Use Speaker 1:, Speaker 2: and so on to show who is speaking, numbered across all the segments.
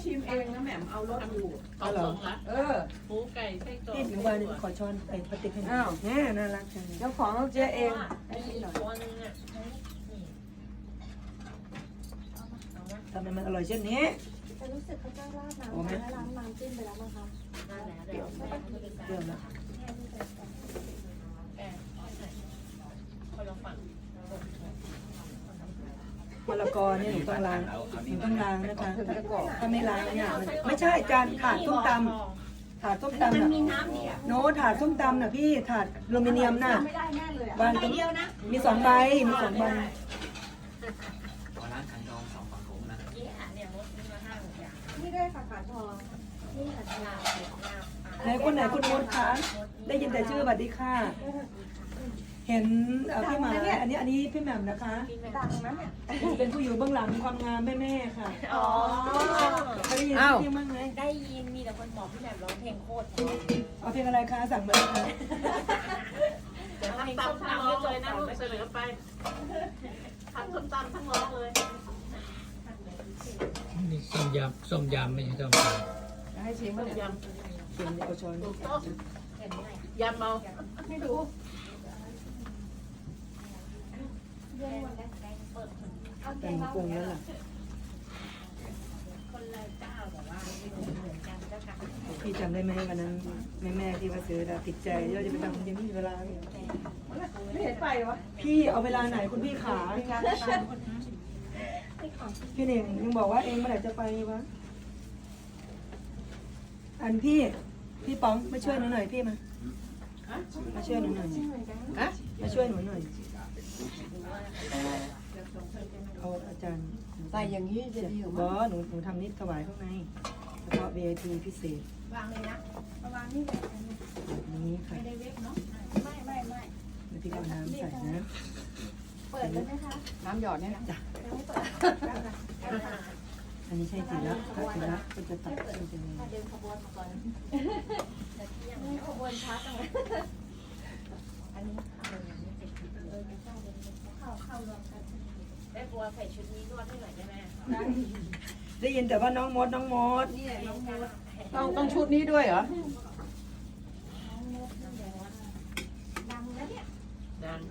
Speaker 1: ชิมเองนะแหม่มเอารสอยู่
Speaker 2: เอาเหรอ
Speaker 1: หมูไก่ไส้กรอก
Speaker 2: พี่หนูวานขอช้อนไปปฏิทิน
Speaker 1: อ้าว
Speaker 2: แน่น่ารักจัง
Speaker 1: เจ้าของเจ๊เอง
Speaker 3: มีอีกตัวนึงอ่ะนี่
Speaker 2: ทำไมมันอร่อยเช่นนี้
Speaker 4: จะรู้สึกเขาจะราดน้ำและล้างน้ำจิ้มไปแล้วมั้งคะ
Speaker 3: นั่นแหละเดี๋ยวแม่เขาจะเป็นการ
Speaker 2: เรื่องละ
Speaker 3: แกคนละฝั่ง
Speaker 2: มะละกอเนี่ยหนูต้องล้างนะคะถ้าไม่ล้างเนี่ยมันไม่ใช่จานถาดส้มตำถาดส้มตำน่ะโน้ถาดส้มตำน่ะพี่ถาดอลูมิเนียมน่ะ
Speaker 4: ไม่ได้แน่เลยอ่ะ
Speaker 2: วางตรงมี2 ใบมี2 ใบ
Speaker 5: ขอร้านขันดอง2 ฝั่งโขงนะ
Speaker 3: นี่ค่ะเนี่ยรถมีมา5-6อย่าง
Speaker 4: นี่ได้ค่ะขาทองนี่ค่ะชา
Speaker 2: ไหนคนไหนคุณมดคะได้ยินแต่ชื่อสวัสดีค่ะ เห็นพี่หมาอันนี้พี่แหม่มนะคะ
Speaker 4: ดังนั้นเนี่ย
Speaker 2: เป็นผู้อยู่เบื้องหลังความงามแม่ๆค่ะ
Speaker 3: อ๋อ
Speaker 2: เคยได้ยินพี่บ้างไหม
Speaker 3: ได้ยินมีแต่คนบอกพี่แหม่มร้องเพลงโคตร
Speaker 2: เอาเพลงอะไรคะสั่งมาเลยค่ะ
Speaker 3: เดี๋ยวเพลงส้มตำไม่เลยนะลูกเสนอไปทั้งส้มตำทั้งร้องเลย
Speaker 5: นี่ส้มยำไม่ใช่ส้มตำ
Speaker 1: ให้ชิม
Speaker 3: ต้
Speaker 1: มาม เนี่ย
Speaker 3: ย
Speaker 2: เขียนเอาช้อน
Speaker 3: ำถูกต้องยำเมา
Speaker 1: ไม่รู้
Speaker 4: เย็นหมดแล้วเอาแก
Speaker 2: แต่
Speaker 4: ง
Speaker 2: ง
Speaker 4: เรา
Speaker 2: ปรุงแล้วล่ะ
Speaker 3: คนละเจ้าแต่ว่าเหมือนกันเจ้าค่ะ
Speaker 2: พี่จำได้ไหมวันนั้นแม่ที่มาซื้อแล้วติดใจเราจะไปทำยังไม่มีเวลา
Speaker 1: ไม่เห็นไปวะ
Speaker 2: พี่เอาเวลาไหนคุณพี่ขาพี่เน่งยังบอกว่าเองเมื่อไหร่จะไปวะอันพี่ป๋องมาช่วยหนูหน่อยพี่มาช่วยหนูหน่อยมาช่วยหนูหน่อยเอาอาจารย์
Speaker 1: ใส่อย่างนี้จะดีก
Speaker 2: บ
Speaker 1: ว่า
Speaker 2: อหนูทำนิดถวายข้างในเฉพาะ VIP พิเศษ
Speaker 3: วางเลยนะ
Speaker 4: ประมาณนี้เลย
Speaker 2: แบบนี้ค่ะ
Speaker 3: ไม่ได้เวฟเนาะ
Speaker 4: ไม่
Speaker 2: แล้วพี่ก็เอาน้ำใส่นะ
Speaker 4: เปิดเลยไหมคะ
Speaker 1: น้ำหยอดเนี่ยนะ
Speaker 4: ยังไม่เปิด
Speaker 2: อันนี้ใช่จีละถ้าจีละก็จะตัดเป็นจะมี
Speaker 4: มาเดินขบวนมาก่อนนี่ขบวนช้าจังเลย
Speaker 3: อันนี้เข้ารวมกันแม่บัวใส่ชุดนี้นวดให้หน่อยได้ไหม
Speaker 2: ได้ยินแต่ว่าน้องมด
Speaker 3: นี่น้องมด
Speaker 1: ต้องชุดนี้ด้วยเหรอ
Speaker 4: ดังแล้วเนี่ย
Speaker 3: ดัน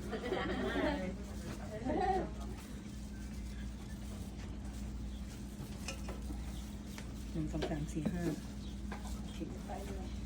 Speaker 2: 1 2 3 4 5